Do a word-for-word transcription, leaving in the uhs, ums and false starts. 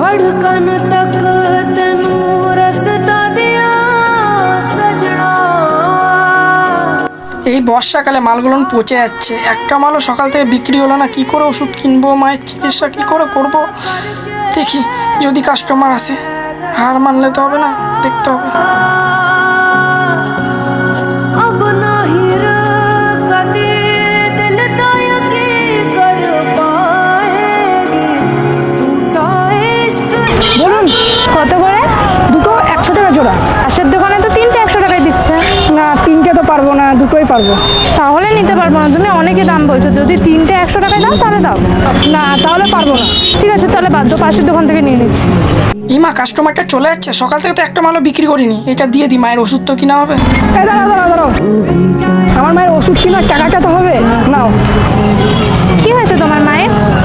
धड़कन तक तेनू रसता दिया सजना। এই বর্ষাকালে মালগুলো পচে যাচ্ছে, একটা মালও সকাল থেকে বিক্রি হলো না। কি করে ওষুধ কিনবো, মায়ের চিকিৎসা কি করে করব? দেখি যদি কাস্টমার আসে। হার মানলে তো হবে না, দেখতে হবে। अब नहीं कदी दिल तो यकीन कर पाएगी तू तो इश्क। বলুন কত করে? দুটো একশো টাকা জোড়া। পাশের দোকানে তো তিনটে একশো টাকায় দিচ্ছে। না তিনটে তো পারবো না, দুটোই পারবো। তাহলে নিতে পারবো না, তুমি অনেকে দাম বলছো। যদি তিনটে একশো টাকায় দাও তাহলে দাও, না তাহলে পারবো না। ঠিক আছে তাহলে বাধ্য পাশের দোকান থেকে নিয়ে নিচ্ছি। ইমা কাস্টমারটা চলে যাচ্ছে, সকাল থেকে তো একটা মালও বিক্রি করিনি। এটা দিয়ে দিই, মায়ের ওষুধ তো কিনা হবে। এই দাঁড়াও দাঁড়াও দাঁড়াও, আমার মায়ের ওষুধ কেনার টাকাটা তো হবে, নাও। কি হয়েছে তোমার মায়ের?